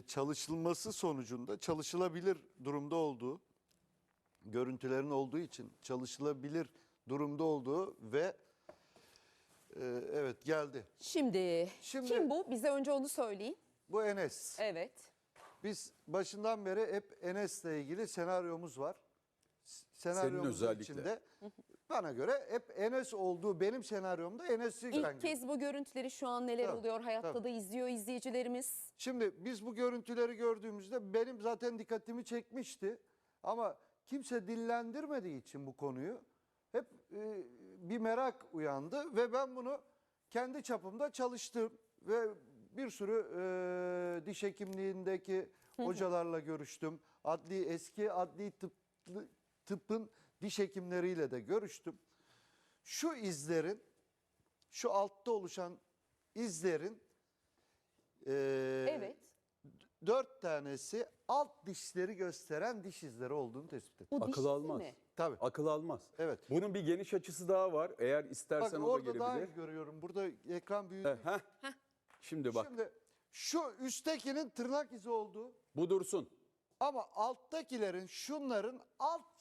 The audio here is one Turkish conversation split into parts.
çalışılması sonucunda çalışılabilir durumda olduğu, görüntülerin olduğu için çalışılabilir durumda olduğu ve evet geldi. Şimdi kim bu? Bize önce onu söyleyin. Bu Enes. Evet. Biz başından beri hep Enes'le ilgili senaryomuz var. Senaryomuzun özellikle. içinde bana göre hep Enes olduğu, benim senaryomda Enes'i İlk kez bu görüntüleri şu an neler Tabii, oluyor hayatta tabii. da izliyor izleyicilerimiz. Şimdi biz bu görüntüleri gördüğümüzde benim zaten dikkatimi çekmişti. Ama kimse dillendirmediği için bu konuyu hep bir merak uyandı ve ben bunu kendi çapımda çalıştım ve bir sürü diş hekimliğindeki hocalarla görüştüm. Eski adli tıbbın diş hekimleriyle de görüştüm. Şu izlerin, şu altta oluşan izlerin Evet. 4 tanesi alt dişleri gösteren diş izleri olduğunu tespit ettim. Bu diş Akıl izi almaz. mi? Tabii. Akıl almaz. Evet. Bunun bir geniş açısı daha var. Eğer istersen Bak o da orada daha iyi gelebilir. görüyorum. Burada ekran büyüdü. Şimdi bak. Şimdi şu üsttekinin tırnak izi olduğu Bu dursun. ama alttakilerin şunların alt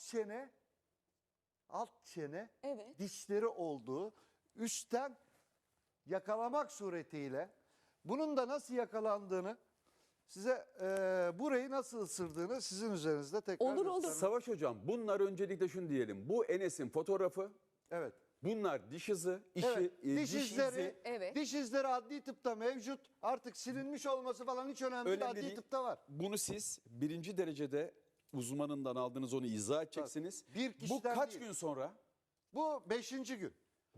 çene Evet. dişleri olduğu üstten yakalamak suretiyle bunun da nasıl yakalandığını size burayı nasıl ısırdığını sizin üzerinizde tekrar Olur, olur. göstermek- Savaş hocam, bunlar öncelikle şunu diyelim. Bu Enes'in fotoğrafı. Evet. Bunlar diş izi. Evet, diş diş izleri, izi. Evet. diş izleri adli tıpta mevcut. Artık silinmiş olması falan hiç önemli değil. Önemli Adli değil. tıpta var. Bunu siz birinci derecede uzmanından aldınız, onu izah edeceksiniz. Bir Bu kişiden kaç değil. gün sonra? Bu 5. gün.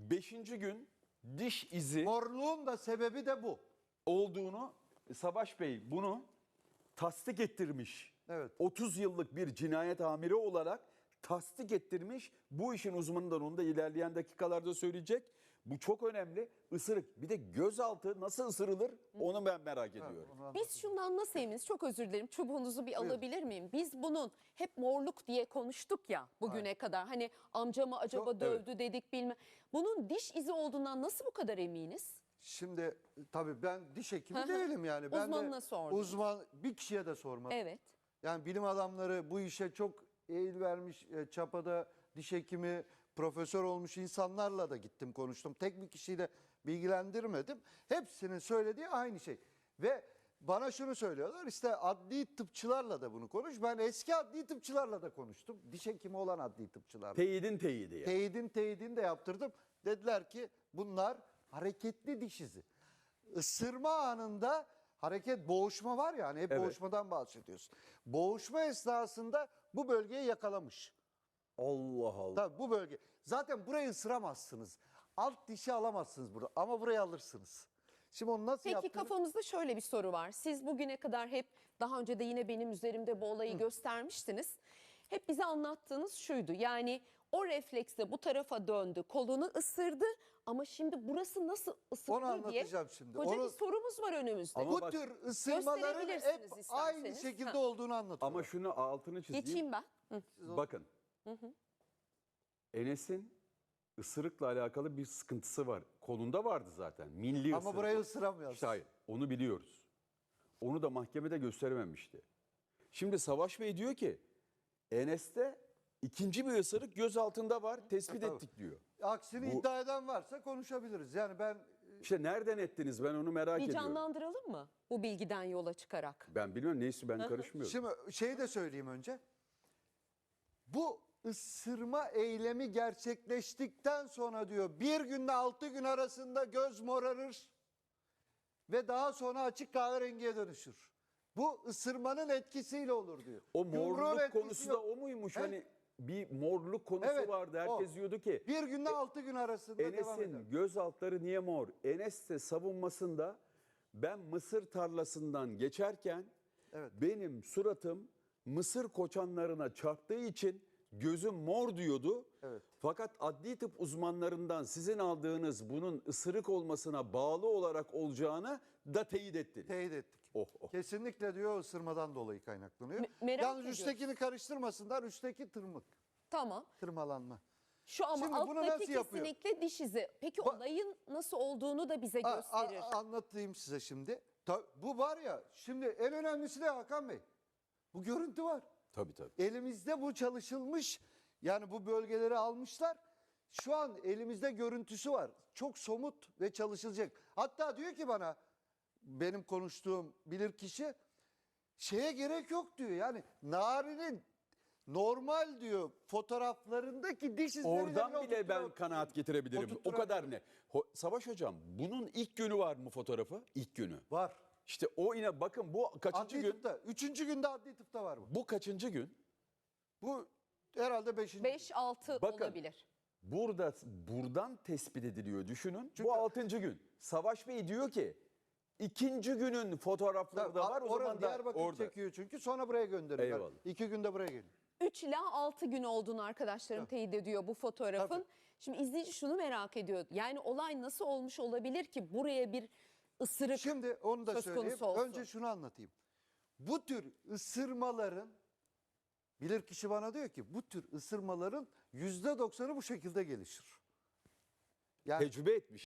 5. gün diş izi Morluğun da sebebi de bu. olduğunu Savaş Bey bunu tasdik ettirmiş. Evet. 30 yıllık bir cinayet amiri olarak tasdik ettirmiş. Bu işin uzmanından onu da ilerleyen dakikalarda söyleyecek. Bu çok önemli. Isırık. Bir de gözaltı nasıl ısırılır onu ben merak ediyorum. Biz şundan nasıl eminiz? Çok özür dilerim. Çubuğunuzu bir alabilir miyim? Biz bunun hep morluk diye konuştuk ya bugüne kadar. Hani amcamı acaba Çok- dövdü dedik bilmem. Bunun diş izi olduğundan nasıl bu kadar eminiz? Şimdi tabii ben diş hekimi değilim yani. Ben Uzmanına de sordum. uzman bir kişiye de sormadım. Evet. Yani bilim adamları bu işe çok eğil vermiş çapada diş hekimi, profesör olmuş insanlarla da gittim konuştum. Tek bir kişiyle bilgilendirmedim. Hepsinin söylediği aynı şey. Ve bana şunu söylüyorlar işte adli tıpçılarla da bunu konuş. Ben eski adli tıpçılarla da konuştum. Diş hekimi olan adli tıpçılarla. Teyidin teyidi yani. Teyidini de yaptırdım. Dediler ki bunlar hareketli diş izi. Isırma anında boğuşma var ya hani hep Evet. boğuşmadan bahsediyorsun. Boğuşma esnasında bu bölgeyi yakalamış. Allah Allah. Tabii bu bölge. Zaten burayı ısıramazsınız. Alt dişi alamazsınız burada ama burayı alırsınız. Şimdi onu nasıl Peki yaptığını... kafamızda şöyle bir soru var. Siz bugüne kadar hep daha önce de yine benim üzerimde bu olayı göstermiştiniz. Hep bize anlattığınız şuydu. Yani o refleksle bu tarafa döndü, kolunu ısırdı ama şimdi burası nasıl ısırılır Onu diye anlatacağım şimdi. koca Onu- bir sorumuz var önümüzde. Ama Bu bak- tür ısırmaların hep Gösterebilirsiniz aynı isterseniz. şekilde Ha. olduğunu anlatıyor. Ama şunu altını çizeyim. Geçeyim ben. Hı. Bakın. Enes'in ısırıkla alakalı bir sıkıntısı var. Kolunda vardı zaten. Milli Ama ısırık. burayı ısıramıyor. İşte hayır. Onu biliyoruz. Onu da mahkemede gösterememişti. Şimdi Savaş Bey diyor ki Enes'te ikinci bir ısırık göz altında var. Tespit ettik diyor. Aksini Bu- iddia eden varsa konuşabiliriz. Yani ben İşte nereden ettiniz ben onu merak Bir ediyorum. canlandıralım mı bu bilgiden yola çıkarak? Ben bilmiyorum neyse ben karışmıyorum. şimdi şeyi de söyleyeyim önce. Bu ısırma eylemi gerçekleştikten sonra diyor bir günde 6 gün arasında göz morarır ve daha sonra açık kahverengiye dönüşür. Bu ısırmanın etkisiyle olur diyor. O Yumruğun morluk etkisi konusu yok. da o muymuş? He? Hani bir morluk konusu Evet, vardı. Herkes o. diyordu ki Bir günde 6 gün arasında devam eder. Enes'in göz altları niye mor? Enes de savunmasında ben mısır tarlasından geçerken Evet. benim suratım mısır koçanlarına çarptığı için gözüm mor diyordu. Evet. Fakat adli tıp uzmanlarından sizin aldığınız bunun ısırık olmasına bağlı olarak olacağını da teyit ettiniz. Teyit ettik. Oh, oh. Kesinlikle diyor ısırmadan dolayı kaynaklanıyor. Merak Yalnız ediyoruz. üsttekini karıştırmasınlar. Üstteki Tamam. tırmalanma. Şu ama Şimdi bunu alttaki nasıl yapıyor? kesinlikle diş izi. Peki Ba- olayın nasıl olduğunu da bize gösterir. Anlatayım size şimdi. Bu var ya, şimdi en önemlisi de Hakan Bey. Bu görüntü var. Tabii tabii. Elimizde bu çalışılmış, yani bu bölgeleri almışlar. Şu an elimizde görüntüsü var. Çok somut ve çalışılacak. Hatta diyor ki bana, benim konuştuğum bilirkişi, şeye gerek yok diyor. Yani Nari'nin normal diyor fotoğraflarındaki diş izlerini Oradan bile ben oturtturan- kanaat getirebilirim. O oturtturan- kadar ne? Savaş hocam, bunun ilk günü var mı fotoğrafı? İlk günü. Var. İşte o yine bakın bu kaçıncı Adli gün? tıpta. 3. günde adli tıpta var bu. Bu kaçıncı gün? Bu herhalde 5. 5-6 Bakın. olabilir. Buradan tespit ediliyor düşünün. Çünkü- Bu 6. gün. Savaş Bey diyor ki ikinci günün fotoğrafları da var. O zaman da Diyarbakır orada. çekiyor çünkü, sonra buraya gönderiyorlar. Eyvallah. 2 günde buraya geliyor. 3 ila 6 gün olduğunu arkadaşlarım teyit ediyor bu fotoğrafın. Tabii. Şimdi izleyici şunu merak ediyor. Yani olay nasıl olmuş olabilir ki buraya bir ısırık Şimdi onu da söz söyleyeyim. konusu olsun. Önce şunu anlatayım. Bu tür ısırmaların, bilirkişi bana diyor ki, bu tür ısırmaların %90'ı bu şekilde gelişir. Yani Tecrübe etmiş.